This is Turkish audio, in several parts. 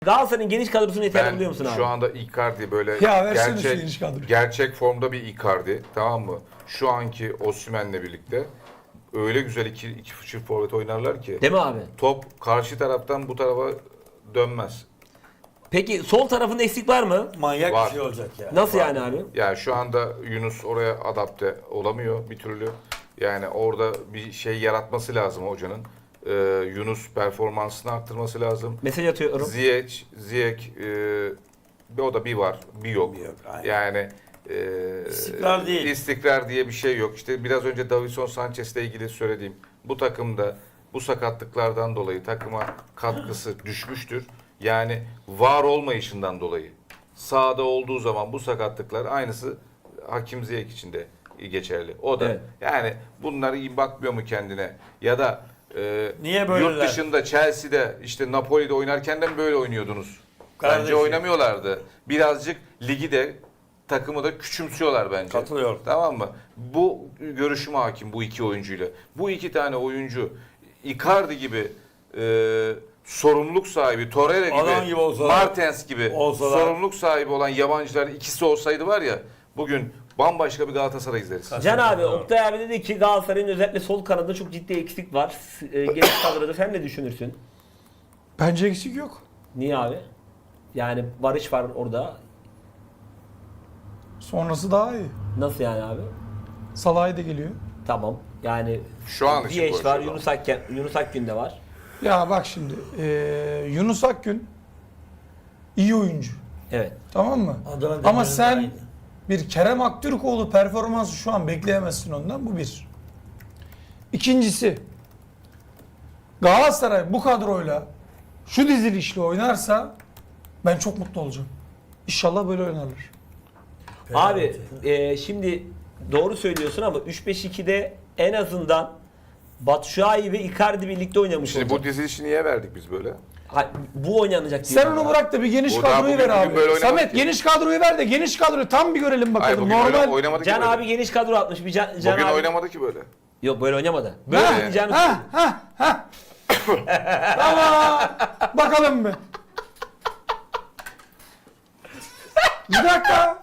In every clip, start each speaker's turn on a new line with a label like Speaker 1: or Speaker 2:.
Speaker 1: Galatasaray'ın geniş kadrosunu yeterli buluyor musun abi?
Speaker 2: Şu anda Icardi böyle gerçek formda bir Icardi, tamam mı? Şu anki Osimhen'le birlikte öyle güzel iki çift forvet oynarlar ki.
Speaker 1: Değil mi abi?
Speaker 2: Top karşı taraftan bu tarafa dönmez.
Speaker 1: Peki sol tarafında eksik var mı?
Speaker 3: Manyak
Speaker 2: Var.
Speaker 3: bir şey olacak ya.
Speaker 1: Nasıl yani abi?
Speaker 2: Yani şu anda Yunus oraya adapte olamıyor bir türlü. Yani orada bir şey yaratması lazım hocanın. Yunus performansını arttırması lazım.
Speaker 1: Mesaj atıyorum.
Speaker 2: Ziyech o da bir var, bir yok.
Speaker 3: Aynen.
Speaker 2: Yani
Speaker 3: İstikrar değil.
Speaker 2: İstikrar diye bir şey yok. İşte biraz önce Davinson Sanchez'le ilgili söylediğim bu takımda bu sakatlıklardan dolayı takıma katkısı düşmüştür. Yani var olmayışından dolayı. Sahada olduğu zaman bu sakatlıklar aynısı Hakim Ziyech için de geçerli. O da yani bunları iyi bakmıyor mu kendine? Ya da
Speaker 3: Niye böyleler?
Speaker 2: yurt dışında Chelsea'de işte Napoli'de oynarken de mi böyle oynuyordunuz? Bence
Speaker 3: Kardeşim.
Speaker 2: oynamıyorlardı. Birazcık ligi de takımı da küçümsüyorlar bence.
Speaker 3: Katılıyorum.
Speaker 2: Tamam mı? Bu görüşüme hakim bu iki oyuncuyla. Bu iki tane oyuncu Icardi gibi sorumluluk sahibi, Torreira gibi, Martens gibi sorumluluk sahibi olan yabancılar ikisi olsaydı var ya bugün bambaşka bir Galatasaray izleriz.
Speaker 1: Can abi, Oktay abi dedi ki Galatasaray'ın özellikle sol kanadında çok ciddi eksik var. Geniş kadroda sen ne düşünürsün?
Speaker 4: Bence eksik yok.
Speaker 1: Niye abi? Yani Barış var orada.
Speaker 4: Sonrası daha iyi.
Speaker 1: Nasıl yani abi?
Speaker 4: Salah'ı da geliyor.
Speaker 1: Tamam. Yani
Speaker 2: Şu an için
Speaker 1: Ziyech var,
Speaker 2: konuşuyorum.
Speaker 1: Yunus Akgün de var.
Speaker 4: Ya bak şimdi Yunus Akgün iyi oyuncu.
Speaker 1: Evet.
Speaker 4: Tamam mı? Ama sen bir Kerem Aktürkoğlu performansı şu an bekleyemezsin ondan. Bu bir. İkincisi Galatasaray bu kadroyla şu dizilişle oynarsa ben çok mutlu olacağım. İnşallah böyle oynarlar.
Speaker 1: Abi şimdi doğru söylüyorsun ama 3-5-2'de en azından Batshuayi ve Icardi birlikte oynamış
Speaker 2: Şimdi
Speaker 1: olacak.
Speaker 2: bu dizilişi niye verdik biz böyle?
Speaker 1: Bu oynanacak.
Speaker 4: Sen
Speaker 1: diyorum
Speaker 4: onu
Speaker 1: ya.
Speaker 4: bırak da bir geniş
Speaker 2: O daha
Speaker 4: kadroyu ver
Speaker 2: bugün böyle
Speaker 4: abi.
Speaker 2: oynamadı
Speaker 4: Samet
Speaker 2: ki.
Speaker 4: geniş kadroyu ver de geniş kadroyu tam bir görelim
Speaker 2: Hayır,
Speaker 4: bakalım.
Speaker 2: bugün
Speaker 4: Normal.
Speaker 2: oynamadı ki
Speaker 1: Can
Speaker 2: böyle.
Speaker 1: abi geniş kadro atmış. Bir Can
Speaker 2: Bugün
Speaker 1: abi...
Speaker 2: oynamadı ki böyle.
Speaker 1: Yok böyle oynamadı. Böyle
Speaker 4: Ha,
Speaker 1: oynayacağını
Speaker 4: ha. Tamam. Bakalım bir. Bir dakika.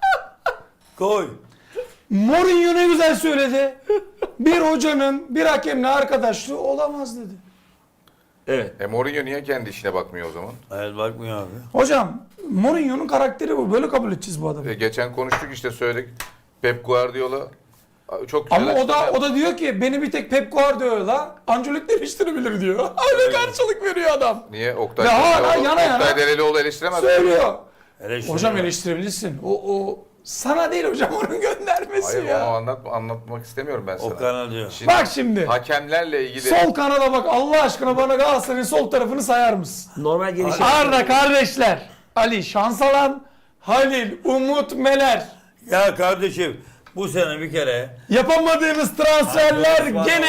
Speaker 3: Koy.
Speaker 4: Mourinho ne güzel söyledi. Bir hocanın bir hakemle arkadaşlığı olamaz dedi.
Speaker 1: Evet.
Speaker 2: Mourinho niye kendi işine bakmıyor o zaman?
Speaker 3: Evet bakmıyor abi.
Speaker 4: Hocam Mourinho'nun karakteri bu. Böyle kabul edeceğiz bu adamı.
Speaker 2: Geçen konuştuk işte söyledik. Pep Guardiola çok güzel
Speaker 4: Ama
Speaker 2: açıklama
Speaker 4: o da diyor ki beni bir tek Pep Guardiola Ancelotti eleştirebilir diyor. Öyle karşılık veriyor adam.
Speaker 2: Niye? Oktay
Speaker 4: Ve hala
Speaker 2: Delelioğlu-
Speaker 4: yana yana
Speaker 2: Oktay Delelioğlu eleştiremez mi?
Speaker 4: Söylüyor.
Speaker 3: Eleştiri
Speaker 4: Hocam
Speaker 3: var.
Speaker 4: eleştirebilirsin. O sana değil hocam onun göndermesi
Speaker 2: Hayır
Speaker 4: ya.
Speaker 2: onu anlatmak istemiyorum ben sana.
Speaker 3: O kanal diyor.
Speaker 2: Şimdi
Speaker 4: Bak şimdi.
Speaker 2: hakemlerle ilgili
Speaker 4: Sol kanada bak Allah aşkına bana Galatasaray'ın sol tarafını sayar mısın?
Speaker 1: Normal gelişim.
Speaker 4: Arda kardeşler. Ali Şansalan, Halil, Umut, Meler.
Speaker 3: Ya kardeşim bu sene bir kere
Speaker 4: Yapamadığımız transferler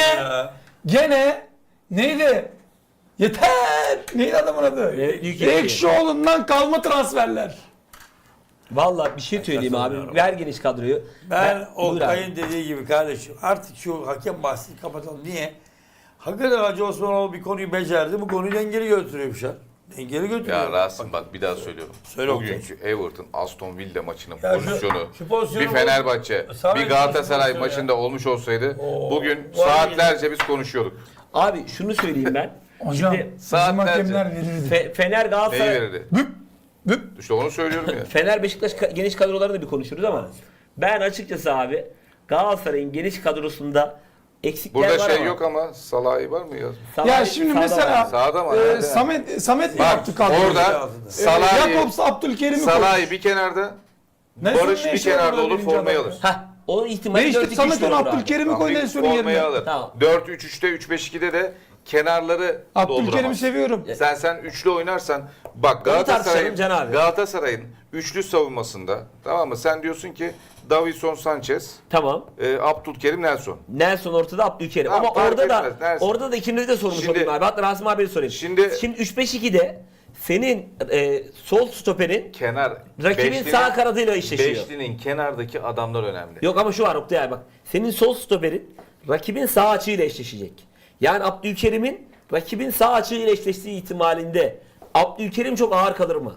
Speaker 4: gene neydi? Yeter. Neydi adamın adı? Ekşioğlu'ndan kalma transferler.
Speaker 1: Vallahi bir şey söyleyeyim abi. Ver geniş kadroyu.
Speaker 3: Ben
Speaker 1: Buyur
Speaker 3: Oktay'ın
Speaker 1: abi.
Speaker 3: dediği gibi kardeşim artık şu hakem bahsini kapatalım. Niye? Hakikaten Hacı Osmanoğlu bir konuyu becerdi. Bu konuyu dengeli götürüyormuş ya. Dengeli götürüyor.
Speaker 2: ya Rasim bak bir daha söylüyorum.
Speaker 3: Söyle
Speaker 2: Bugünkü Everton Aston Villa maçının
Speaker 3: Ya şu
Speaker 2: bir
Speaker 3: pozisyonu
Speaker 2: Fenerbahçe,
Speaker 3: Sana
Speaker 2: bir
Speaker 3: bir
Speaker 2: Galatasaray
Speaker 3: pozisyon
Speaker 2: maçında olmuş olsaydı bugün
Speaker 3: vay
Speaker 2: saatlerce biz konuşuyorduk.
Speaker 1: Abi şunu söyleyeyim ben.
Speaker 4: Hocam
Speaker 1: Şimdi
Speaker 4: bizim
Speaker 2: saatlerce.
Speaker 4: hakemler verirdi.
Speaker 1: Fener
Speaker 2: Neyi
Speaker 1: Galatasaray,
Speaker 2: verirdi? İşte onu söylüyorum ya.
Speaker 1: Fener Beşiktaş geniş kadrolarını da bir konuşuruz ama ben açıkçası abi Galatasaray'ın geniş kadrosunda eksikler
Speaker 2: Burada
Speaker 1: var
Speaker 2: şey
Speaker 1: ama.
Speaker 2: yok ama Salah'ı var mı ya?
Speaker 4: Ya şimdi
Speaker 1: sağda
Speaker 4: mesela
Speaker 1: var.
Speaker 2: Sağda mı?
Speaker 4: Samet mi
Speaker 2: Bak
Speaker 4: yaptı kadroyu?
Speaker 2: orada Salah'ı,
Speaker 4: Jakobs Abdülkerim'i koymuş.
Speaker 2: Salah'ı bir kenarda,
Speaker 4: Nelson'un
Speaker 2: Barış
Speaker 4: ne
Speaker 2: bir
Speaker 4: işi var
Speaker 2: kenarda
Speaker 4: orada
Speaker 2: olur
Speaker 4: birinci
Speaker 2: formayı
Speaker 4: adamda?
Speaker 2: alır.
Speaker 1: Hah, o ihtimali
Speaker 4: Ne işte
Speaker 1: 4-2-3
Speaker 4: Samet onu
Speaker 1: olur abi.
Speaker 4: Abdülkerim'i
Speaker 2: Tamam,
Speaker 4: koy
Speaker 2: bir
Speaker 4: Nelson'un
Speaker 2: formayı
Speaker 4: yerine.
Speaker 2: alır.
Speaker 1: Tamam.
Speaker 2: 4-3-3'te 3-5-2'de de kenarları
Speaker 4: Abdülkerim'i
Speaker 2: dolduramaz.
Speaker 4: seviyorum.
Speaker 2: Sen üçlü oynarsan bak
Speaker 1: tartışalım Can abi.
Speaker 2: Galatasaray'ın üçlü savunmasında tamam mı? Sen diyorsun ki Davinson Sanchez,
Speaker 1: Tamam.
Speaker 2: Abdülkerim Nelson.
Speaker 1: Nelson ortada, Abdülkerim.
Speaker 2: Tamam,
Speaker 1: Ama
Speaker 2: fark
Speaker 1: orada da
Speaker 2: etmez, Nelson.
Speaker 1: orada da ikinizi de sormuş
Speaker 2: Şimdi-
Speaker 1: olayım abi. Hatta Rasim abiye sorayım.
Speaker 2: Şimdi-
Speaker 1: 3-5-2'de senin sol stoperin
Speaker 2: Kenar
Speaker 1: rakibin sağ kanadıyla eşleşiyor.
Speaker 2: Beşlinin kenardaki adamlar önemli.
Speaker 1: Yok ama şu var Oktay abi bak. Senin sol stoperin rakibin sağ açığıyla eşleşecek. Yani Abdülkerim'in rakibin sağ açığıyla eşleştiği ihtimalinde Abdülkerim çok ağır kalır mı?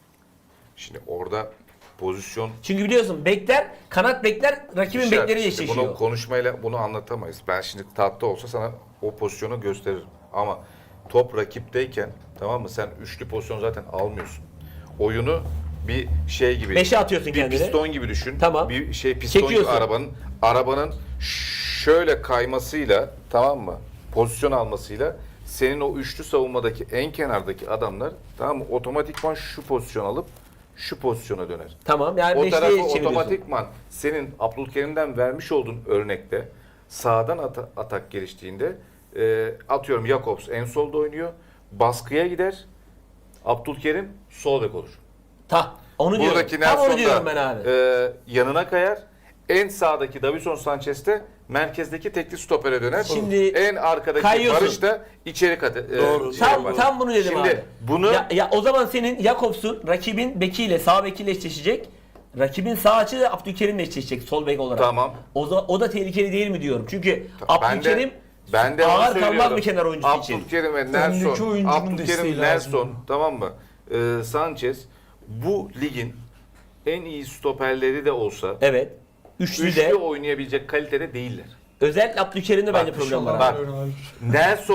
Speaker 2: Şimdi orada pozisyon
Speaker 1: Çünkü biliyorsun bekler, kanat bekler rakibin
Speaker 2: İşaret.
Speaker 1: bekleriyle
Speaker 2: İşte
Speaker 1: eşleşiyor.
Speaker 2: Bunu konuşmayla bunu anlatamayız. Ben şimdi tahtta olsa sana o pozisyonu gösteririm. Ama top rakipteyken, tamam mı? Sen üçlü pozisyon zaten almıyorsun. Oyunu bir şey gibi.
Speaker 1: Beşe atıyorsun
Speaker 2: bir
Speaker 1: kendini.
Speaker 2: piston gibi düşün.
Speaker 1: Tamam.
Speaker 2: Bir piston
Speaker 1: Çekiyorsun.
Speaker 2: gibi arabanın şöyle kaymasıyla, tamam mı? Pozisyon almasıyla senin o üçlü savunmadaki en kenardaki adamlar, tamam mı? Otomatikman şu pozisyon alıp şu pozisyona döner.
Speaker 1: Tamam, yani
Speaker 2: O
Speaker 1: beşliğe
Speaker 2: tarafı
Speaker 1: çeviriyorsun.
Speaker 2: otomatikman senin Abdülkerim'den vermiş olduğun örnekte sağdan atak geliştiğinde atıyorum Jakobs en solda oynuyor. Baskıya gider. Abdülkerim sol bek olur.
Speaker 1: Onu diyorum.
Speaker 2: Buradaki
Speaker 1: Tam onu
Speaker 2: Nelson
Speaker 1: diyorum ben
Speaker 2: da
Speaker 1: abi.
Speaker 2: yanına kayar. En sağdaki Davinson Sanchez de merkezdeki tekli stopere döner.
Speaker 1: Şimdi
Speaker 2: en arkadaki
Speaker 1: kayıyorsun.
Speaker 2: Barış da içeri katı.
Speaker 3: Doğru.
Speaker 1: Tam bunu dedim
Speaker 2: Şimdi
Speaker 1: abi.
Speaker 2: bunu
Speaker 1: Ya o zaman senin Jakobs'un rakibin bekiyle sağ bekiyle eşleşecek. Rakibin sağ açı da Abdülkerim'le eşleşecek sol bek olarak.
Speaker 2: Tamam.
Speaker 1: O da tehlikeli değil mi diyorum. Çünkü
Speaker 2: Ben de-
Speaker 1: Abdülkerim
Speaker 2: ben de onu
Speaker 1: ağır kalmaz
Speaker 2: söylüyorum.
Speaker 1: mı kenar oyuncusu için?
Speaker 2: Abdülkerim ve
Speaker 4: Öndeki
Speaker 2: Nelson,
Speaker 4: oyuncunun
Speaker 2: Abdülkerim,
Speaker 4: desteği
Speaker 2: Nelson,
Speaker 4: lazım.
Speaker 2: tamam mı? Sanchez bu ligin en iyi stoperleri de olsa
Speaker 1: Evet. Üçlü
Speaker 2: üçlü
Speaker 1: de
Speaker 2: oynayabilecek kalitede değiller.
Speaker 1: özellikle Abdülkerim'de bence problem var.
Speaker 2: Bak.
Speaker 1: abi.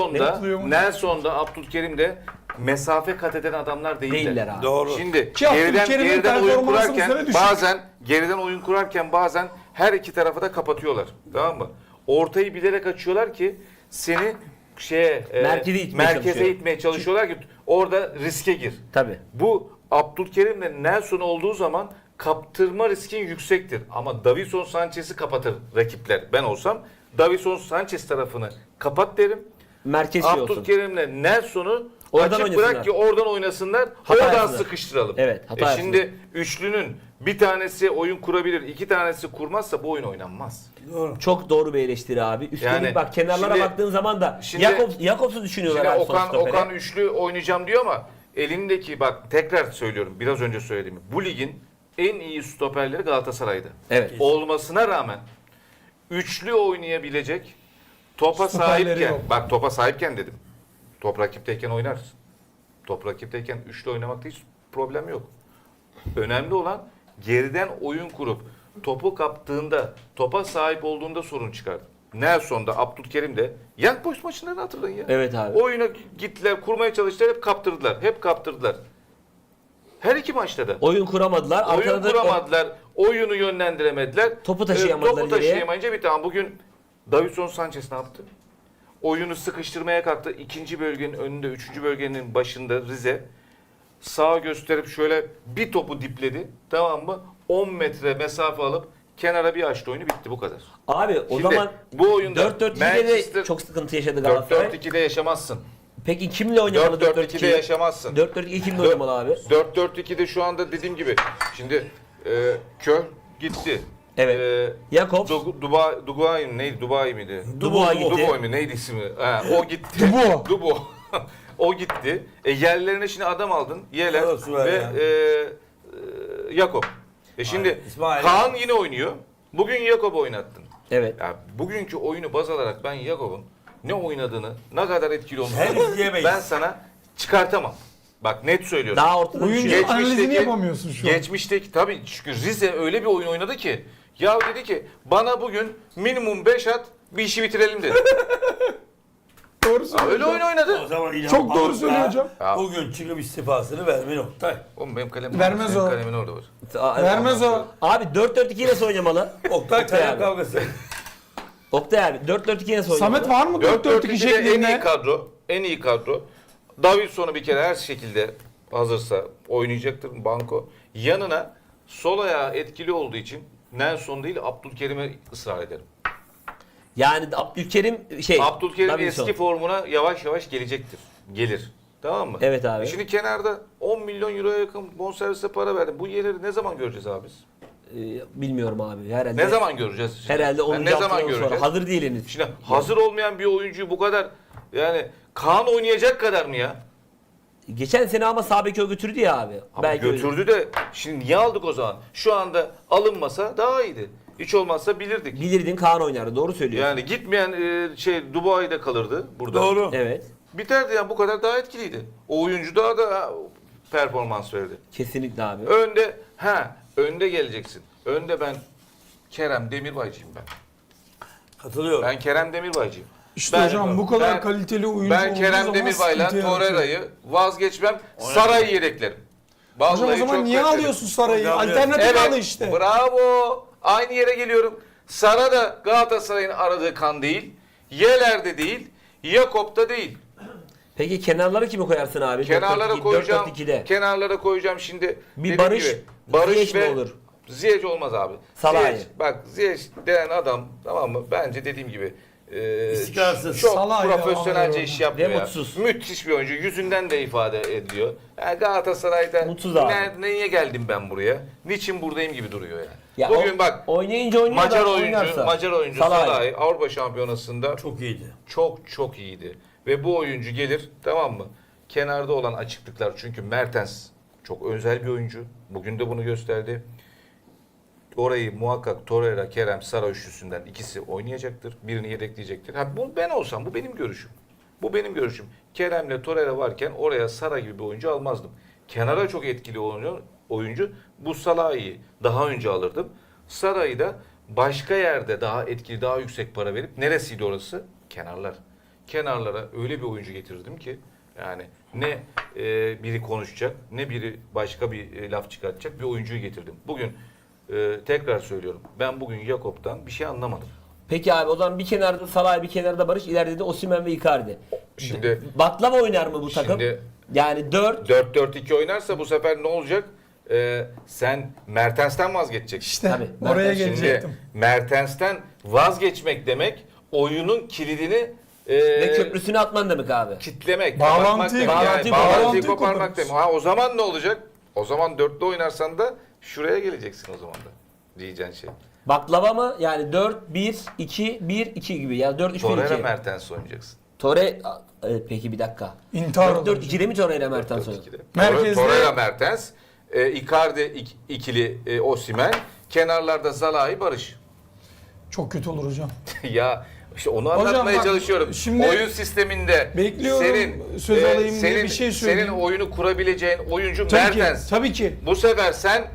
Speaker 2: Nelson'da, Abdülkerim'de mesafe kat eden adamlar
Speaker 1: Değiller abi.
Speaker 3: Doğru.
Speaker 2: Şimdi
Speaker 4: Ki Abdülkerim'in
Speaker 2: geriden oyun
Speaker 4: performansı bu sene
Speaker 2: kurarken
Speaker 4: düşük.
Speaker 2: geriden oyun kurarken bazen her iki tarafı da kapatıyorlar. Tamam mı? Ortayı bilerek açıyorlar ki seni
Speaker 1: Merkeze itmeye
Speaker 2: merkeze
Speaker 1: çalışıyor.
Speaker 2: itmeye çalışıyorlar ki orada riske gir.
Speaker 1: Tabii.
Speaker 2: Bu Abdülkerim'le Nelson olduğu zaman kaptırma riskin yüksektir. Ama Davinson Sanchez'i kapatır rakipler. Ben olsam Davinson Sanchez tarafını kapat derim.
Speaker 1: Merkez şey olsun.
Speaker 2: Abdülkerim'le Nelson'u
Speaker 1: Oradan
Speaker 2: açık
Speaker 1: oynasınlar.
Speaker 2: bırak ki oradan oynasınlar.
Speaker 1: Hata
Speaker 2: oradan
Speaker 1: yapsınlar.
Speaker 2: sıkıştıralım.
Speaker 1: Evet, hata
Speaker 2: Şimdi üçlünün bir tanesi oyun kurabilir, iki tanesi kurmazsa bu oyun oynanmaz.
Speaker 3: Doğru.
Speaker 1: Çok doğru bir eleştiri abi. Üstelik
Speaker 2: Yani
Speaker 1: bak kenarlara
Speaker 2: şimdi-
Speaker 1: baktığın zaman da
Speaker 2: şimdi-
Speaker 1: Jakobs'u düşünüyorlar
Speaker 2: Şimdi
Speaker 1: abi son stopere.
Speaker 2: Okan üçlü oynayacağım diyor ama elindeki bak tekrar söylüyorum biraz önce söylediğimi. Bu ligin en iyi stoperleri Galatasaray'da.
Speaker 1: Evet.
Speaker 2: Olmasına rağmen üçlü oynayabilecek topa
Speaker 4: Stoperleri
Speaker 2: sahipken,
Speaker 4: yok.
Speaker 2: bak topa sahipken dedim. Top rakipteyken oynarsın. Top rakipteyken üçlü oynamakta hiç problem yok. Önemli olan geriden oyun kurup topu kaptığında, topa sahip olduğunda sorun çıkardı. Nelson'da, Abdülkerim'de Young Boys maçlarını hatırlayın ya.
Speaker 1: Evet abi.
Speaker 2: Oyuna gittiler, kurmaya çalıştılar, hep kaptırdılar. Hep kaptırdılar. Her iki maçta da.
Speaker 1: Oyun kuramadılar.
Speaker 2: Oyun
Speaker 1: Arkada da
Speaker 2: kuramadılar, oyunu yönlendiremediler.
Speaker 1: Topu taşıyamadılar
Speaker 2: Topu
Speaker 1: ileriye.
Speaker 2: taşıyamayınca bir tane. Bugün Davinson Sanchez ne yaptı? Oyunu sıkıştırmaya kalktı. İkinci bölgenin önünde, üçüncü bölgenin başında Rize. Sağa gösterip şöyle bir topu dipledi. Tamam mı? 10 metre mesafe alıp kenara bir açtı oyunu, bitti bu kadar.
Speaker 1: Abi o
Speaker 2: Şimdi
Speaker 1: zaman
Speaker 2: bu oyunda
Speaker 1: 4-4-2'de de
Speaker 2: Manchester-
Speaker 1: çok sıkıntı yaşadı Galatasaray.
Speaker 2: 4-4-2'de yaşamazsın.
Speaker 1: Peki kimle oynamalı
Speaker 2: 4-4-2'de yaşamazsın.
Speaker 1: 4-4-2 kimle oynamalı abi?
Speaker 2: 4-4-2'de şu anda dediğim gibi. Şimdi Kör gitti.
Speaker 1: Evet. Jakobs,
Speaker 2: Dubai neydi? Dubai miydi?
Speaker 1: Dubois gitti.
Speaker 2: Dubois mi? Neydi ismi? Ha, o gitti.
Speaker 4: Dubois.
Speaker 2: Dubois. O gitti. Yerlerine şimdi adam aldın. Yeler
Speaker 3: Evet, süper
Speaker 2: ve
Speaker 3: ya.
Speaker 2: Jakob. Şimdi
Speaker 3: Aynen, İsmail.
Speaker 2: Kaan yine oynuyor. Bugün Jakob'u oynattın.
Speaker 1: Evet.
Speaker 2: Ya bugünkü oyunu baz alarak ben Jakob'un ne oynadığını, ne kadar etkili olduğunu
Speaker 3: Hem izleyemeyiz.
Speaker 2: ben sana çıkartamam. Bak net söylüyorum.
Speaker 1: Daha ortada
Speaker 4: Oyuncu
Speaker 1: düşüyor.
Speaker 4: analizini yapamıyorsun şu an.
Speaker 2: Geçmişteki tabii çünkü Rize öyle bir oyun oynadı ki ya dedi ki bana bugün minimum 5 at bir işi bitirelim dedi.
Speaker 4: Doğru
Speaker 2: Ya
Speaker 4: söylüyor.
Speaker 2: öyle oyun oynadı.
Speaker 3: O zaman İlhan
Speaker 4: Çok doğru
Speaker 3: Palut da
Speaker 4: söylüyor hocam.
Speaker 2: Ya.
Speaker 3: Bugün çıkıp istifasını verme Oktay.
Speaker 2: Oğlum benim kalemim
Speaker 4: Vermez
Speaker 2: senin
Speaker 4: o.
Speaker 2: kalemin orada var.
Speaker 4: Vermez o.
Speaker 1: Abi 4-4-2 nasıl oynamalı?
Speaker 3: Oktay kalem
Speaker 1: abi.
Speaker 3: kavgası.
Speaker 1: Oktay abi 4-4-2 nasıl oynamalı?
Speaker 4: Samet var mı 4-4-2
Speaker 2: 4-4-2'de en iyi
Speaker 4: şeklinde?
Speaker 2: kadro. En iyi kadro. Davidson'u bir kere her şekilde hazırsa oynayacaktır banko. Yanına sol ayağı etkili olduğu için Nelson değil Abdülkerim'e ısrar ederim.
Speaker 1: Yani Abdülkerim
Speaker 2: Abdülkerim
Speaker 1: Davinson.
Speaker 2: eski formuna yavaş yavaş gelecektir. Gelir. Tamam mı?
Speaker 1: Evet abi.
Speaker 2: Şimdi kenarda 10 milyon euroya yakın bonservise para verdim. Bu yerleri ne zaman göreceğiz abi biz?
Speaker 1: Bilmiyorum abi. Herhalde.
Speaker 2: Ne zaman göreceğiz?
Speaker 1: Herhalde 10.
Speaker 2: ne zaman
Speaker 1: haftadan sonra.
Speaker 2: göreceğiz?
Speaker 1: Hazır değil henüz.
Speaker 2: Şimdi hazır olmayan bir oyuncuyu bu kadar yani Kaan oynayacak kadar mı ya?
Speaker 1: Geçen sene ama sağ beki o götürdü ya abi.
Speaker 2: Ama götürdü de şimdi niye aldık o zaman? Şu anda alınmasa daha iyiydi. Hiç olmazsa bilirdik.
Speaker 1: Bilirdin Kaan oynardı. Doğru söylüyorsun.
Speaker 2: Yani gitmeyen Dubai'de kalırdı burada.
Speaker 3: Doğru.
Speaker 1: Evet.
Speaker 2: biterdi ya, bu kadar daha etkiliydi. O oyuncu daha da performans verdi.
Speaker 1: Kesinlikle abi.
Speaker 2: Önde geleceksin. Önde ben Kerem Demirbaycıyım ben.
Speaker 3: Katılıyorum.
Speaker 2: Ben Kerem Demirbaycıyım.
Speaker 4: İşte hocam bu kadar kaliteli oyuncu
Speaker 2: Ben
Speaker 4: olduğu
Speaker 2: Kerem
Speaker 4: zaman
Speaker 2: Demirbay'la
Speaker 4: sıkıntı yaratıyor.
Speaker 2: Torreira'yı vazgeçmem. Saray'ı yedeklerim.
Speaker 4: Hocam o
Speaker 2: Vallahi
Speaker 4: zaman
Speaker 2: çok
Speaker 4: niye
Speaker 2: beklerim.
Speaker 4: alıyorsun Saray'ı?
Speaker 3: Hocam,
Speaker 4: Alternatif
Speaker 2: Evet,
Speaker 4: al işte.
Speaker 2: bravo. Aynı yere geliyorum. Sara da Galatasaray'ın aradığı kan değil. Yeler'de değil. Jakob'da değil.
Speaker 1: Peki kenarları kimi koyarsın abi?
Speaker 2: Kenarlara
Speaker 1: 4-4-2,
Speaker 2: koyacağım.
Speaker 1: 4-4-2'de.
Speaker 2: Kenarlara koyacağım şimdi.
Speaker 1: Bir
Speaker 2: dediğim
Speaker 1: Barış,
Speaker 2: gibi, Barış
Speaker 1: Ziyech mi
Speaker 2: ve
Speaker 1: olur?
Speaker 2: Ziyech olmaz abi.
Speaker 1: Salah'ı.
Speaker 2: Ziyech, bak Ziyech denen adam, tamam mı? Bence dediğim gibi
Speaker 3: İstikrarsız.
Speaker 2: çok
Speaker 4: Salah'ı
Speaker 2: profesyonelce
Speaker 4: ya,
Speaker 2: iş yapıyor
Speaker 1: ve
Speaker 2: ya.
Speaker 1: mutsuz.
Speaker 2: Müthiş bir oyuncu. Yüzünden de ifade ediyor. Yani Galatasaray'da
Speaker 1: Mutsuz abi.
Speaker 2: Niye geldim ben buraya? Niçin buradayım gibi duruyor yani.
Speaker 1: Ya
Speaker 2: Bugün
Speaker 1: o-
Speaker 2: bak
Speaker 1: oynayınca oynuyor
Speaker 2: Macar
Speaker 1: da
Speaker 2: oyuncu
Speaker 1: oynarsa.
Speaker 2: Salah'ı
Speaker 1: Salah'ı.
Speaker 2: Avrupa Şampiyonası'nda
Speaker 3: Çok iyiydi.
Speaker 2: çok iyiydi. Ve bu oyuncu gelir, tamam mı? Kenarda olan açıklıklar, çünkü Mertens çok özel bir oyuncu. Bugün de bunu gösterdi. Orayı muhakkak Torreira, Kerem, Sara üçlüsünden ikisi oynayacaktır. Birini yedekleyecektir. Bu ben olsam, bu benim görüşüm. Bu benim görüşüm. Kerem'le Torreira varken oraya Sara gibi bir oyuncu almazdım. Kenara çok etkili oyuncu. Bu Salah'ı daha önce alırdım. Sara'yı da başka yerde daha etkili, daha yüksek para verip, neresiydi orası? Kenarlar. Kenarlara öyle bir oyuncu getirdim ki yani ne biri konuşacak, ne biri başka bir laf çıkartacak bir oyuncuyu getirdim. Bugün tekrar söylüyorum, ben bugün Jakob'tan bir şey anlamadım.
Speaker 1: Peki abi o zaman bir kenarda Salah, bir kenarda Barış, ileride de Osimhen ve Icardi.
Speaker 2: Şimdi
Speaker 1: Baklava oynar mı bu takım?
Speaker 2: Şimdi-
Speaker 1: Yani 4
Speaker 2: 4-4-2 oynarsa bu sefer ne olacak? Sen Mertens'ten vazgeçeceksin.
Speaker 4: İşte
Speaker 1: Tabii,
Speaker 4: oraya
Speaker 1: Mertens
Speaker 2: Şimdi
Speaker 4: gelecektim.
Speaker 2: Mertens'ten vazgeçmek demek oyunun kilidini
Speaker 1: ve köprüsünü atman demek abi.
Speaker 2: kitlemek,
Speaker 4: Bağlantıyı-
Speaker 2: bağlantıyı
Speaker 4: bağlantıyı
Speaker 2: koparmak
Speaker 4: koparmış.
Speaker 2: demek. O zaman ne olacak? O zaman dörtlü oynarsan da şuraya geleceksin o zaman da. Diyeceğin şey.
Speaker 1: Baklava mı? Yani 4-1-2-1-2 gibi. Yani 4-3-1-2.
Speaker 2: Torreira Mertens oynayacaksın.
Speaker 1: Evet, peki bir dakika.
Speaker 4: İntihar olur.
Speaker 1: 4-4-2'de mi Torreira Mertens oynuyor?
Speaker 2: 4-2'de.
Speaker 4: Merkezde-
Speaker 2: Torreira Mertens, Icardi ikili Osimhen, kenarlarda Zalai Barış.
Speaker 4: Çok kötü olur hocam.
Speaker 2: Ya işte onu
Speaker 4: Hocam
Speaker 2: anlatmaya
Speaker 4: bak,
Speaker 2: çalışıyorum.
Speaker 4: şimdi
Speaker 2: Oyun sisteminde
Speaker 4: bekliyorum, söz alayım diye bir şey söyleyeyim.
Speaker 2: Senin oyunu kurabileceğin oyuncu
Speaker 4: Tabii ki,
Speaker 2: Mertens.
Speaker 4: tabii ki.
Speaker 2: Bu sefer sen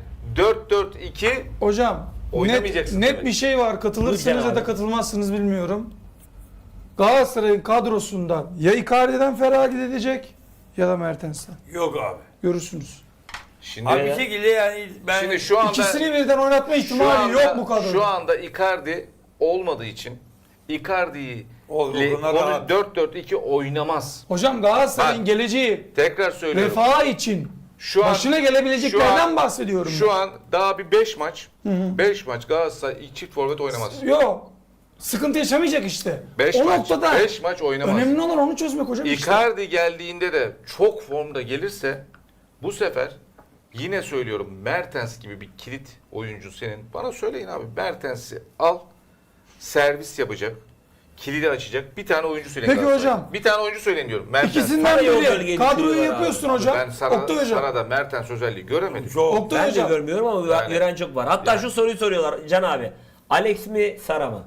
Speaker 2: 4-4-2
Speaker 4: Hocam
Speaker 2: Oynamayacaksın
Speaker 4: net
Speaker 2: demek.
Speaker 4: bir şey var. Katılırsınız
Speaker 1: Lütfen
Speaker 4: ya da
Speaker 1: abi.
Speaker 4: katılmazsınız bilmiyorum. Galatasaray'ın kadrosundan ya Icardi'den feragat edecek ya da Mertens'ten.
Speaker 3: Yok abi.
Speaker 4: Görürsünüz.
Speaker 2: Şimdi
Speaker 3: Abi bir şekilde yani ben
Speaker 2: şimdi şu anda
Speaker 4: İkisini birden oynatma ihtimali yok bu kadroda.
Speaker 2: Şu anda Icardi olmadığı için Icardi'yi
Speaker 3: Olur,
Speaker 2: ile-
Speaker 3: onlar
Speaker 2: onu
Speaker 3: rahat.
Speaker 2: 4-4-2 oynamaz.
Speaker 4: Hocam Galatasaray'ın
Speaker 2: Bak,
Speaker 4: geleceği,
Speaker 2: Tekrar söylüyorum.
Speaker 4: refahı için
Speaker 2: Şu an
Speaker 4: başına gelebileceklerden bahsediyorum.
Speaker 2: Şu an daha bir 5 maç. 5 maç Galatasaray çift forvet oynamaz.
Speaker 4: Yok. Sıkıntı yaşamayacak işte.
Speaker 2: 5
Speaker 4: o
Speaker 2: maç.
Speaker 4: noktada
Speaker 2: 5 maç oynamaz.
Speaker 4: önemli olan onu çözmek hocam işte.
Speaker 2: Icardi geldiğinde de çok formda gelirse bu sefer yine söylüyorum, Mertens gibi bir kilit oyuncu senin. Bana söyleyin abi, Mertens'i al, servis yapacak, kilidi açacak. Bir tane oyuncu söyleyin.
Speaker 4: Peki
Speaker 2: Galatasaray.
Speaker 4: hocam.
Speaker 2: Bir tane oyuncu söyleyin diyorum. Mertens.
Speaker 4: İkisinden
Speaker 1: Sana yol
Speaker 4: biri.
Speaker 1: bölgeyi
Speaker 4: Kadroyu
Speaker 1: düşürüyorlar
Speaker 4: yapıyorsun
Speaker 1: abi.
Speaker 4: hocam.
Speaker 2: Ben
Speaker 4: Oktay hocam.
Speaker 2: Sara'da Mertens özelliği göremedim.
Speaker 3: çok
Speaker 4: Oktay
Speaker 1: Ben de
Speaker 4: hocam.
Speaker 1: görmüyorum ama
Speaker 2: Yani-
Speaker 1: gören çok var. Hatta
Speaker 2: Yani-
Speaker 1: şu soruyu soruyorlar Can abi. Alex mi Sara mı?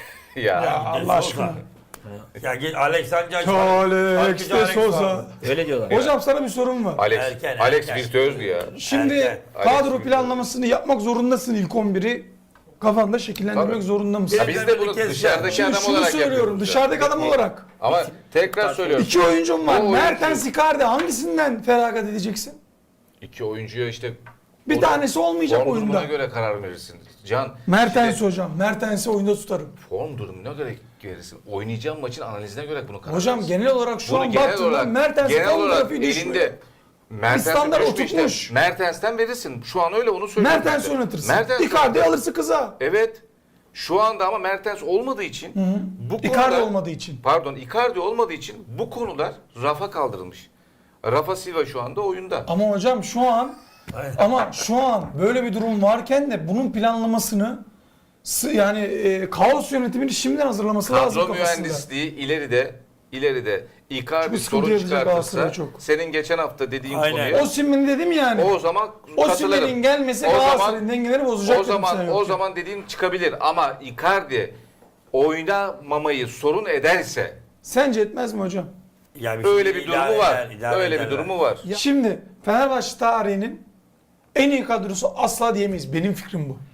Speaker 4: Ya Allah aşkına.
Speaker 3: Ya git Alex Sanchez.
Speaker 4: Alex de Souza.
Speaker 1: Öyle diyorlar.
Speaker 4: Hocam sana bir sorum var.
Speaker 2: Alex,
Speaker 3: Erken,
Speaker 2: Alex
Speaker 3: erken.
Speaker 2: virtüözdü ya.
Speaker 4: Şimdi
Speaker 3: Erken.
Speaker 4: kadro
Speaker 2: Alex
Speaker 4: planlamasını yapmak zorundasın ilk 11'i. Kafanda şekillendirmek
Speaker 2: Tabii.
Speaker 4: zorunda mısın?
Speaker 2: Ya biz de bunu
Speaker 3: Bir kez
Speaker 2: dışarıdaki
Speaker 4: Şimdi
Speaker 2: adam
Speaker 4: şunu
Speaker 2: olarak
Speaker 4: söylüyorum.
Speaker 2: yapıyoruz.
Speaker 4: Dışarıdaki adam olarak.
Speaker 2: Ama tekrar söylüyorum.
Speaker 4: İki oyuncum var.
Speaker 2: O oyuncu-
Speaker 4: Mertens, Icardi hangisinden feragat edeceksin?
Speaker 2: İki oyuncuya işte
Speaker 4: Bir tanesi olmayacak
Speaker 2: form durumuna
Speaker 4: oyunda.
Speaker 2: göre karar verirsin. Can,
Speaker 4: Mertens
Speaker 2: şimdi
Speaker 4: hocam. Mertens'i oyunda tutarım.
Speaker 2: form durumuna göre verirsin. Oynayacağın maçın analizine göre bunu karar
Speaker 4: Hocam
Speaker 2: verirsin.
Speaker 4: genel olarak şu
Speaker 2: Bunu
Speaker 4: an
Speaker 2: genel
Speaker 4: baktığımda
Speaker 2: olarak-
Speaker 4: Mertens'in
Speaker 2: genel
Speaker 4: form
Speaker 2: olarak
Speaker 4: grafiği düşmüyor.
Speaker 2: elinde Mertens'in
Speaker 4: standart
Speaker 2: düşmüş de,
Speaker 4: oturtmuş.
Speaker 2: Mertens'ten verirsin. Şu an öyle, onu söylüyorum.
Speaker 4: Mertens
Speaker 2: ben de.
Speaker 4: oynatırsın.
Speaker 2: Mertens
Speaker 4: Icardi
Speaker 2: oynatırsın.
Speaker 4: alırsın kıza.
Speaker 2: Evet. Şu anda ama Mertens olmadığı için bu konular,
Speaker 4: Icardi olmadığı için.
Speaker 2: Pardon, Icardi olmadığı için bu konular rafa kaldırılmış. Rafa Silva şu anda oyunda.
Speaker 4: Ama hocam şu an böyle bir durum varken de bunun planlamasını kaos yönetimini şimdiden hazırlaması lazım
Speaker 2: Kadro
Speaker 4: kafasında.
Speaker 2: mühendisliği ileride Icardi
Speaker 4: Çok sıkıntı
Speaker 2: sorun
Speaker 4: yaratacak
Speaker 2: çıkartırsa,
Speaker 4: Galatasaray çok.
Speaker 2: senin geçen hafta dediğin
Speaker 3: Aynen.
Speaker 2: konuya
Speaker 4: Osimhen dedim yani.
Speaker 2: o zaman
Speaker 4: Osimhen'in
Speaker 2: katılırım.
Speaker 4: gelmesi
Speaker 2: O zaman-
Speaker 4: Galatasaray'ın dengeleri bozacak
Speaker 2: O
Speaker 4: dedim sen
Speaker 2: zaman
Speaker 4: yokken.
Speaker 2: dediğin çıkabilir ama Icardi oynamamayı sorun ederse
Speaker 4: Sence etmez mi hocam?
Speaker 3: Yani
Speaker 2: Öyle bir durumu var.
Speaker 3: idare
Speaker 2: Öyle bir
Speaker 3: ederler.
Speaker 2: durumu var.
Speaker 4: Şimdi Fenerbahçe tarihinin en iyi kadrosu asla diyemeyiz. Benim fikrim bu.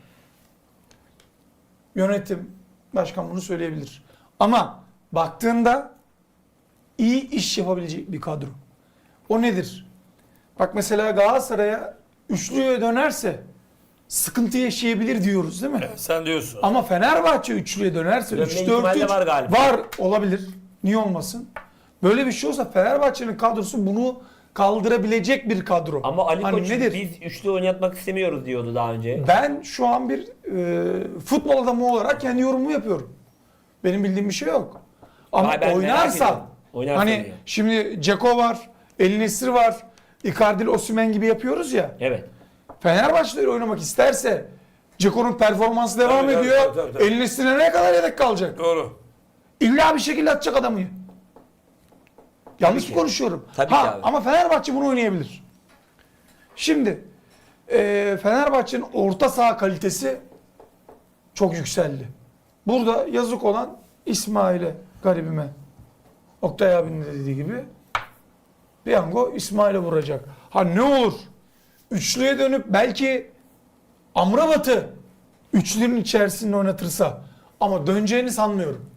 Speaker 4: Yönetim, başkan bunu söyleyebilir. Ama baktığında iyi iş yapabilecek bir kadro. O nedir? Bak mesela Galatasaray'a üçlüye dönerse sıkıntı yaşayabilir diyoruz değil mi?
Speaker 3: Evet, sen diyorsun.
Speaker 4: Ama Fenerbahçe üçlüye dönerse
Speaker 1: Dönme
Speaker 4: 3-4-3
Speaker 1: ihtimali de var galiba.
Speaker 4: var, olabilir. Niye olmasın? Böyle bir şey olsa Fenerbahçe'nin kadrosu bunu kaldırabilecek bir kadro.
Speaker 1: Ama Ali
Speaker 4: Hani
Speaker 1: Koç
Speaker 4: nedir?
Speaker 1: biz üçlü oynatmak istemiyoruz diyordu daha önce.
Speaker 4: Ben şu an bir futbol adamı olarak kendi yorumumu yapıyorum. Benim bildiğim bir şey yok. Ama
Speaker 1: Vay, ben merak
Speaker 4: oynarsa,
Speaker 1: ediyorum. Oynarsa
Speaker 4: hani
Speaker 1: diyor.
Speaker 4: şimdi Ceko var, El Nesri var, Icardi, Osimhen gibi yapıyoruz ya.
Speaker 1: Evet.
Speaker 4: Fenerbahçe'de oynamak isterse Ceko'nun performansı devam
Speaker 3: Tabii,
Speaker 4: ediyor.
Speaker 3: tabii.
Speaker 4: El Nesri'ne ne kadar yedek kalacak?
Speaker 3: Doğru.
Speaker 4: İlla bir şekilde atacak adamı. Yanlış mı
Speaker 1: ki.
Speaker 4: konuşuyorum?
Speaker 1: Tabii ki abi.
Speaker 4: Ama Fenerbahçe bunu oynayabilir. Şimdi Fenerbahçe'nin orta saha kalitesi çok yükseldi. Burada yazık olan İsmail'e, garibime. Oktay abinin de dediği gibi piyango İsmail'e vuracak. Ha ne olur? Üçlüye dönüp belki Amrabat'ı üçlünün içerisinde oynatırsa, ama döneceğini sanmıyorum.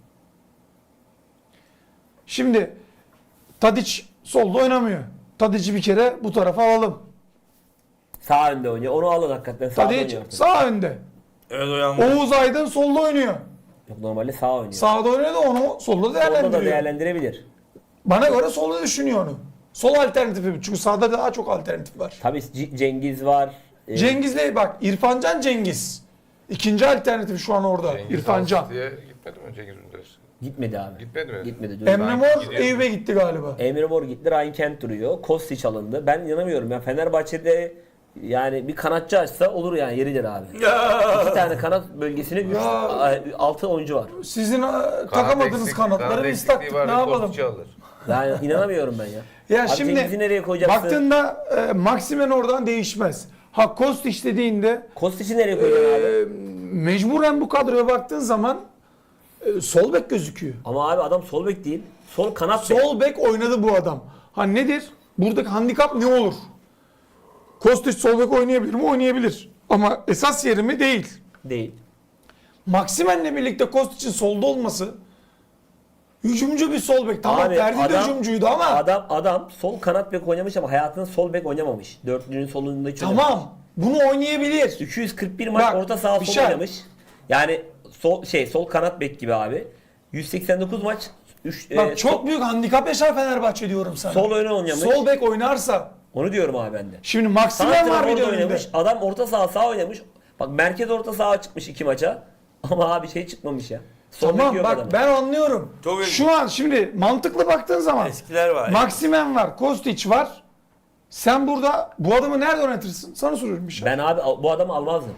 Speaker 4: Şimdi Tadic solda oynamıyor. Tadic'i bir kere bu tarafa alalım.
Speaker 1: Sağ önde oynuyor. Onu alın hakikaten. Sağ
Speaker 4: Tadic
Speaker 1: oynuyor. artık.
Speaker 4: sağ önde.
Speaker 3: Evet o yanlış.
Speaker 4: Oğuz Aydın solda oynuyor.
Speaker 1: Yok, normalde sağ oynuyor.
Speaker 4: Sağda oynuyor da onu solda
Speaker 1: Solda da
Speaker 4: değerlendiriyor.
Speaker 1: değerlendirebilir.
Speaker 4: Bana göre solda düşünüyor onu. Sol alternatifi. Çünkü sağda daha çok alternatif var.
Speaker 1: Tabii Cengiz var.
Speaker 4: Cengiz'le bak, İrfancan Cengiz. İkinci alternatif şu an orada.
Speaker 2: Cengiz
Speaker 4: İrfancan.
Speaker 2: Altı'ya gitmedi mi Cengiz Ünder?
Speaker 1: Gitmedi abi.
Speaker 2: Gitmedi mi?
Speaker 1: Gitmedi. Dün
Speaker 4: Emre Mor
Speaker 2: gidiyor.
Speaker 4: Eyüp'e gitti galiba.
Speaker 1: Emre Mor gitti. Ryan Kent duruyor. Kostić alındı. Ben inanamıyorum ya. Fenerbahçe'de yani bir kanatçı açsa olur yani, yeridir abi. İki tane kanat bölgesine
Speaker 4: Ya.
Speaker 1: 6 oyuncu var.
Speaker 4: Sizin takamadığınız kanatları biz taktık. Ne yapalım?
Speaker 1: Yani inanamıyorum ben ya.
Speaker 4: Ya
Speaker 1: Abi
Speaker 4: şimdi
Speaker 1: Cengiz'i nereye koyacaksın?
Speaker 4: baktığında Maximen oradan değişmez. Ha Kostić dediğinde
Speaker 1: Kostić'i nereye koyacaksın abi?
Speaker 4: mecburen bu kadroya baktığın zaman sol bek gözüküyor.
Speaker 1: Ama abi adam sol bek değil. Sol kanat bek.
Speaker 4: Sol bek oynadı bu adam. Ha nedir? Buradaki handikap ne olur? Kostić sol bek oynayabilir mi? Oynayabilir. Ama esas yeri mi? Değil.
Speaker 1: Değil.
Speaker 4: Maximen'le birlikte Kostić'in solda olması, hücumcu bir sol bek. Tamam,
Speaker 1: Abi,
Speaker 4: Ferdi de
Speaker 1: adam-
Speaker 4: hücumcuydu ama
Speaker 1: Adam sol kanat bek oynamış ama hayatında sol bek oynamamış. Dörtlünün solunda hiç oynamamış.
Speaker 4: tamam, bunu oynayabilir.
Speaker 1: 241 maç
Speaker 4: Bak,
Speaker 1: orta saha
Speaker 4: bir
Speaker 1: sol
Speaker 4: şey-
Speaker 1: oynamış. Yani sol kanat bek gibi abi. 189 maç
Speaker 4: Bak çok büyük handikap yaşar Fenerbahçe diyorum sana.
Speaker 1: sol öne oynamış.
Speaker 4: Sol bek oynarsa.
Speaker 1: Onu diyorum abi ben de.
Speaker 4: Şimdi Maximen var bir
Speaker 1: Santrafor
Speaker 4: de
Speaker 1: da
Speaker 4: önünde.
Speaker 1: oynamış. Adam orta saha sağ oynamış. Bak merkez orta saha çıkmış 2 maça. Ama abi şey çıkmamış ya. Sol bek
Speaker 4: Tamam
Speaker 1: yok
Speaker 4: bak
Speaker 1: adamın.
Speaker 4: ben anlıyorum.
Speaker 3: Çok iyi.
Speaker 4: Şu an şimdi mantıklı baktığın zaman
Speaker 3: Eskiler var.
Speaker 4: Maximen var, Kostić var. Sen burada bu adamı nerede oynatırsın? Sana soruyorum bir şey.
Speaker 1: Ben abi bu adamı almazdım.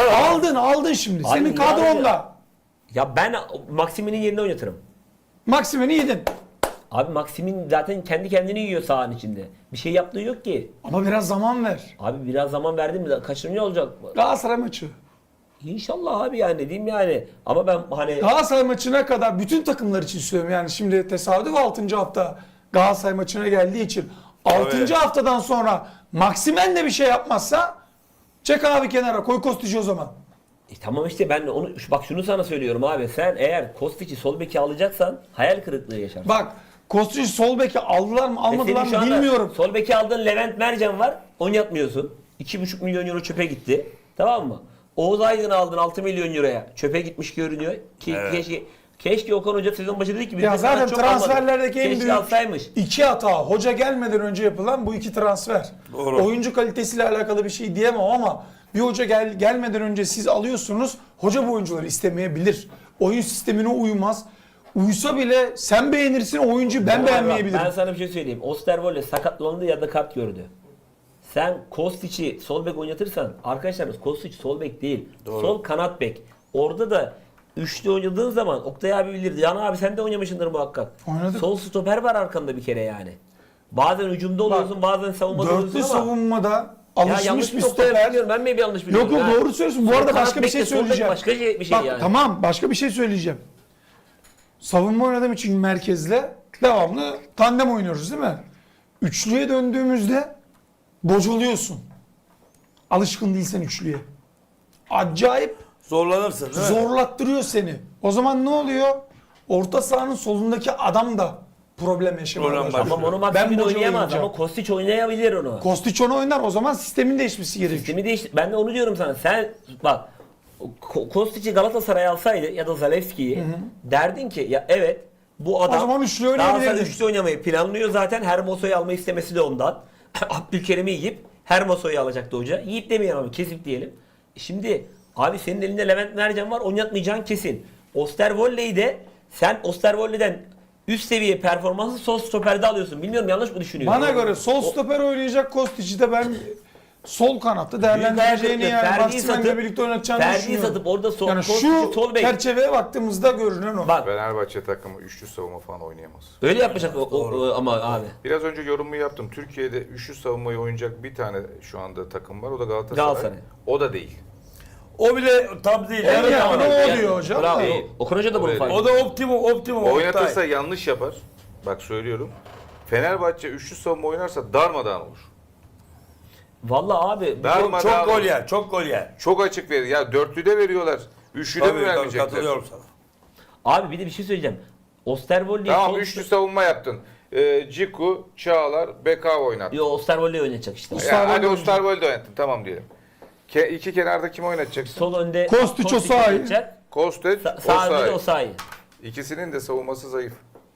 Speaker 4: Aldın şimdi.
Speaker 1: Abi
Speaker 4: Senin
Speaker 1: niye
Speaker 4: kadronda.
Speaker 1: Ya ben Maximin'in yerine oynatırım.
Speaker 4: Maximen'i yedin.
Speaker 1: Abi Maximin zaten kendi kendini yiyor sahanın içinde. Bir şey yaptığı yok ki.
Speaker 4: Ama biraz zaman ver.
Speaker 1: Abi biraz zaman verdim mi kaçırmıyor olacak.
Speaker 4: Galatasaray maçı.
Speaker 1: İnşallah abi yani diyeyim yani. Ama ben hani
Speaker 4: Galatasaray maçına kadar bütün takımlar için söylüyorum. Yani şimdi tesadüf 6. hafta Galatasaray maçına geldiği için 6.
Speaker 3: Evet.
Speaker 4: haftadan sonra Maximen de bir şey yapmazsa çek abi kenara, koy Kostić'i o zaman.
Speaker 1: tamam işte ben onu bak şunu sana söylüyorum abi. Sen eğer Kostić'i sol beki alacaksan hayal kırıklığı yaşarsın.
Speaker 4: Bak Kostić sol beki aldılar mı
Speaker 1: Ve senin
Speaker 4: almadılar
Speaker 1: şu
Speaker 4: mı
Speaker 1: anda
Speaker 4: bilmiyorum.
Speaker 1: Sol beki aldığın Levent Mercan var. Oynatmıyorsun. 2,5 milyon euro çöpe gitti. Tamam mı? Oğuz Aydın'ı aldın 6 milyon euroya. Çöpe gitmiş görünüyor. Ki
Speaker 3: Evet.
Speaker 1: keşke Okan Hoca sezon başı dedi ki biz
Speaker 4: Ya
Speaker 1: de sana
Speaker 4: zaten
Speaker 1: çok
Speaker 4: transferlerdeki
Speaker 1: almadık.
Speaker 4: en
Speaker 1: Keşke
Speaker 4: büyük
Speaker 1: alsaymış.
Speaker 4: iki hata hoca gelmeden önce yapılan bu iki transfer.
Speaker 3: Doğru.
Speaker 4: Oyuncu kalitesiyle alakalı bir şey diyemem ama bir hoca gelmeden önce siz alıyorsunuz. Hoca bu oyuncuları istemeyebilir. Oyun sistemine uymaz. Uysa bile sen beğenirsin, oyuncu ben beğenmeyebilirim.
Speaker 1: Ben sana bir şey söyleyeyim. Osterwolde sakatlandı ya da kart gördü. Sen Kostić'i sol bek oynatırsan arkadaşlar Kostić sol bek değil.
Speaker 3: Doğru.
Speaker 1: Sol kanat bek. Orada da üçlü oynadığın zaman Oktay abi bilirdi. Can abi sen de oynamışsındır muhakkak.
Speaker 4: Oynadık.
Speaker 1: Sol stoper var arkanda bir kere yani. Bazen hücumda oluyorsun, bazen savunmada oluyorsun
Speaker 4: Dörtlü
Speaker 1: ama.
Speaker 4: savunmada
Speaker 1: Ya
Speaker 4: alışmış
Speaker 1: yanlış
Speaker 4: bir
Speaker 1: mı Oktay
Speaker 4: stoper.
Speaker 1: biliyorum. Ben mi bir yanlış biliyorum?
Speaker 4: Yok yok
Speaker 1: ha?
Speaker 4: doğru söylüyorsun. Bu
Speaker 1: Sol
Speaker 4: arada
Speaker 1: kanat
Speaker 4: başka bir şey
Speaker 1: bekle, sol bek
Speaker 4: söyleyeceğim.
Speaker 1: Başka bir şey
Speaker 4: Bak
Speaker 1: yani.
Speaker 4: tamam, başka bir şey söyleyeceğim. savunma oynadığım için merkezle devamlı tandem oynuyoruz değil mi? Üçlüye döndüğümüzde bocalıyorsun. Alışkın değilsen üçlüye. Acayip
Speaker 3: Zorlanırsın değil mi?
Speaker 4: zorlattırıyor seni. O zaman ne oluyor? Orta sahanın solundaki adam da problem yaşamaya
Speaker 3: Problem
Speaker 4: başlıyor.
Speaker 3: başlıyor.
Speaker 1: Ama onu
Speaker 4: Ben
Speaker 1: Maksimin
Speaker 4: boca
Speaker 1: oynayamaz
Speaker 4: oynayacağım.
Speaker 1: ama Kostić oynayabilir onu.
Speaker 4: Kostić onu oynar, o zaman sistemin değişmesi gerekiyor.
Speaker 1: Sistemi değişti. Ben de onu diyorum sana. Sen bak Kostić'i Galatasaray alsaydı ya da Zalewski'yi derdin ki ya evet bu adam
Speaker 4: O zaman üçlü
Speaker 1: Galatasaray
Speaker 4: oynayabilirdin.
Speaker 1: üçlü oynamayı planlıyor zaten. Hermoso'yu almayı istemesi de ondan. Abdülkerim'i yiyip Hermoso'yu alacaktı hoca. Yiyip demeyelim ama kesip diyelim. Şimdi abi senin elinde Levent Mercan var, oynatmayacağın kesin. Osterwolde'yi de sen Osterwolde'den üst seviye performansı sol stoperde alıyorsun. Bilmiyorum, yanlış mı düşünüyorum?
Speaker 4: Bana göre sol stoper oynayacak Kostić'i de ben sol kanatta
Speaker 1: Büyük
Speaker 4: değerlendireceğini,
Speaker 1: hayal
Speaker 4: yani
Speaker 1: kırıklığı.
Speaker 4: Maximen'le birlikte oynatacağını
Speaker 1: Ferdi'yi
Speaker 4: düşünüyorum.
Speaker 1: satıp orada sol,
Speaker 4: Yani
Speaker 1: Kostić'i
Speaker 4: şu
Speaker 1: sol bek.
Speaker 4: çerçeveye baktığımızda görünen o.
Speaker 1: Bak
Speaker 2: Fenerbahçe takımı üçlü savunma falan oynayamaz.
Speaker 1: öyle yapacak ama abi.
Speaker 2: Biraz önce yorumumu yaptım. Türkiye'de üçlü savunmayı oynayacak bir tane şu anda takım var. O da Galatasaray.
Speaker 1: Galatasaray.
Speaker 2: O da değil.
Speaker 3: O bile tam değil.
Speaker 4: En
Speaker 3: Evet,
Speaker 4: yakını
Speaker 3: ama-
Speaker 4: o diyor hocam.
Speaker 1: Bravo.
Speaker 2: Değil.
Speaker 1: Okan Hoca da bunu
Speaker 2: Öyle
Speaker 1: fark
Speaker 3: O
Speaker 1: ediyor.
Speaker 3: da optimum.
Speaker 2: Oynatırsa
Speaker 3: Oktay.
Speaker 2: yanlış yapar. Bak söylüyorum. Fenerbahçe üçlü savunma oynarsa darmadağın olur.
Speaker 1: Vallahi abi
Speaker 2: Darmadağın
Speaker 3: Çok gol
Speaker 2: olur.
Speaker 3: yer, çok gol yer.
Speaker 2: Çok açık verir. Ya dörtlüde veriyorlar. Üçlüde mi
Speaker 3: Tabii
Speaker 2: vermeyecekler?
Speaker 3: katılıyorum sana.
Speaker 1: abi bir de bir şey söyleyeceğim. Osterwolde'yi
Speaker 2: Tamam üçlü savunma yaptın. Ciku, Çağlar, Bekao oynattın.
Speaker 1: Yo, Osterwolde'yi oynatacak işte.
Speaker 2: Hadi Osterwolde oynattın. Tamam diyelim. İki kenarda kim oynatacaksın?
Speaker 1: Sol önde
Speaker 4: Kostić Osayi.
Speaker 1: oynayacak.
Speaker 2: Kostet,
Speaker 1: Sağ önde de
Speaker 2: Osayi.
Speaker 1: Osayi.
Speaker 2: İkisinin de savunması zayıf.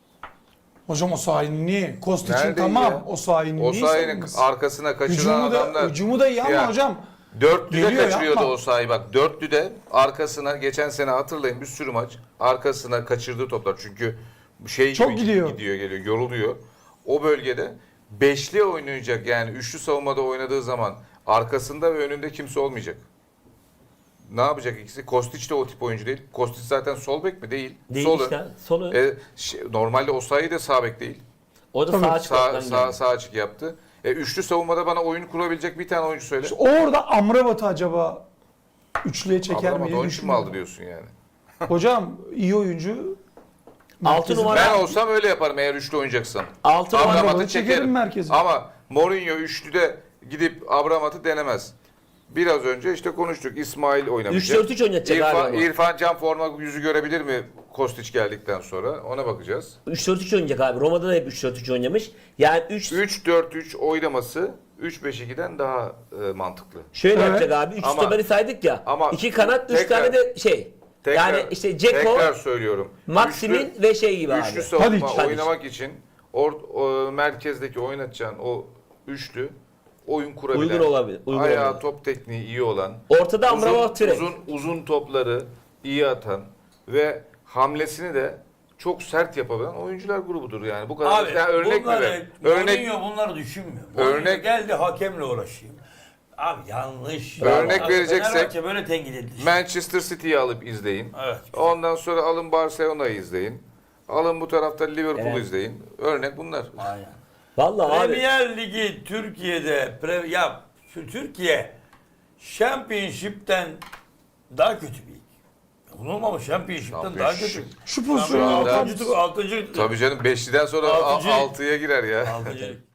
Speaker 4: Hocam o sahinin niye? Kostić'in
Speaker 2: Nerede
Speaker 4: tamam.
Speaker 2: ya?
Speaker 4: O sahinin niye?
Speaker 2: Osayi'nin
Speaker 4: savunması?
Speaker 2: arkasına kaçıran adamlar.
Speaker 4: Hücumu da iyi ama
Speaker 2: Ya,
Speaker 4: hocam.
Speaker 2: Dörtlüde
Speaker 4: Geliyor,
Speaker 2: kaçırıyordu
Speaker 4: yapma.
Speaker 2: Osayi bak. Dörtlüde arkasına geçen sene hatırlayın bir sürü maç arkasına kaçırdığı toplar. Çünkü şey
Speaker 4: Çok
Speaker 2: gibi
Speaker 4: gidiyor.
Speaker 2: geliyor, yoruluyor. O bölgede beşli oynayacak yani üçlü savunmada oynadığı zaman arkasında ve önünde kimse olmayacak. Ne yapacak ikisi? Kostić de o tip oyuncu değil. Kostić zaten sol bek mi? Değil.
Speaker 1: Değil
Speaker 2: Sol
Speaker 1: işte.
Speaker 2: ön.
Speaker 1: Sol ön.
Speaker 2: Normalde Osayi de sağ bek değil.
Speaker 1: O da
Speaker 4: Tabii.
Speaker 1: sağ açık.
Speaker 2: Sağ açık yaptı. Üçlü savunmada bana oyun kurabilecek bir tane oyuncu söyle.
Speaker 4: Orada Amrabat'ı acaba üçlüye çeker mi
Speaker 2: Abramat
Speaker 4: diye
Speaker 2: onun için mi aldı
Speaker 4: düşünüyorum.
Speaker 2: diyorsun yani?
Speaker 4: Hocam iyi oyuncu.
Speaker 1: Altı
Speaker 4: Merkezi-
Speaker 1: numara.
Speaker 2: Ben olsam öyle yaparım eğer üçlü oynayacaksan.
Speaker 1: 6 numara.
Speaker 2: Abramat'ı
Speaker 4: Abramat'ı çekerim
Speaker 2: çekerim.
Speaker 4: merkeze.
Speaker 2: Ama Mourinho üçlüde gidip Abramat'ı denemez. Biraz önce işte konuştuk. İsmail oynamayacak.
Speaker 1: 3-4-3 oynatacak abi ama.
Speaker 2: İrfan Can forma yüzü görebilir mi Kostić geldikten sonra? Ona bakacağız.
Speaker 1: 3-4-3 oynayacak abi. Roma'da da hep 3-4-3 oynamış. Yani
Speaker 2: 3-4-3 oynaması 3-5-2'den daha mantıklı.
Speaker 1: şöyle
Speaker 4: Evet.
Speaker 1: yapacak abi. 3
Speaker 2: Ama-
Speaker 1: stoperi saydık ya.
Speaker 2: ama
Speaker 1: 2 kanat, 3
Speaker 2: tekrar-
Speaker 1: tane de şey. Yani işte Ceko,
Speaker 2: tekrar söylüyorum.
Speaker 1: Maximin ve şey gibi
Speaker 2: Üçlü
Speaker 1: abi.
Speaker 2: savunma
Speaker 4: Tadic.
Speaker 2: oynamak için merkezdeki oynatacağın o üçlü oyun kurabilen,
Speaker 1: Uygun olabilir, uygun
Speaker 2: ayağı
Speaker 1: olabilir.
Speaker 2: top tekniği iyi olan,
Speaker 1: Ortada Amrabat Türek.
Speaker 2: uzun topları iyi atan ve hamlesini de çok sert yapabilen oyuncular grubudur yani. Bu kadar
Speaker 3: Abi
Speaker 2: yani örnek mi
Speaker 3: bunları,
Speaker 2: ver? Örnek
Speaker 3: Mourinho bunları düşünmüyor.
Speaker 2: Örnek-
Speaker 3: Mourinho geldi hakemle uğraşayım. Abi yanlış.
Speaker 2: Örnek
Speaker 3: Abi,
Speaker 2: vereceksek-
Speaker 3: Fenerbahçe böyle tenkit edilir.
Speaker 2: Manchester City'yi alıp izleyin.
Speaker 3: Evet.
Speaker 2: Ondan sonra alın Barcelona'yı izleyin. Alın bu tarafta Liverpool'u
Speaker 1: Evet.
Speaker 2: izleyin. Örnek bunlar.
Speaker 3: Aynen.
Speaker 1: Vallahi abi.
Speaker 3: Premier Ligi Türkiye'de şu Türkiye Championship'ten daha kötü bir lig. Unutmamış Championship'ten daha kötü.
Speaker 2: Championship.
Speaker 4: Şu
Speaker 2: Şu
Speaker 4: pozisyonu
Speaker 2: anda-
Speaker 4: altıncı-
Speaker 3: Altıncı
Speaker 2: Tabii canım 5'liden sonra
Speaker 3: Altıncı lig.
Speaker 2: 6'ya girer ya.
Speaker 3: Altıncı lig.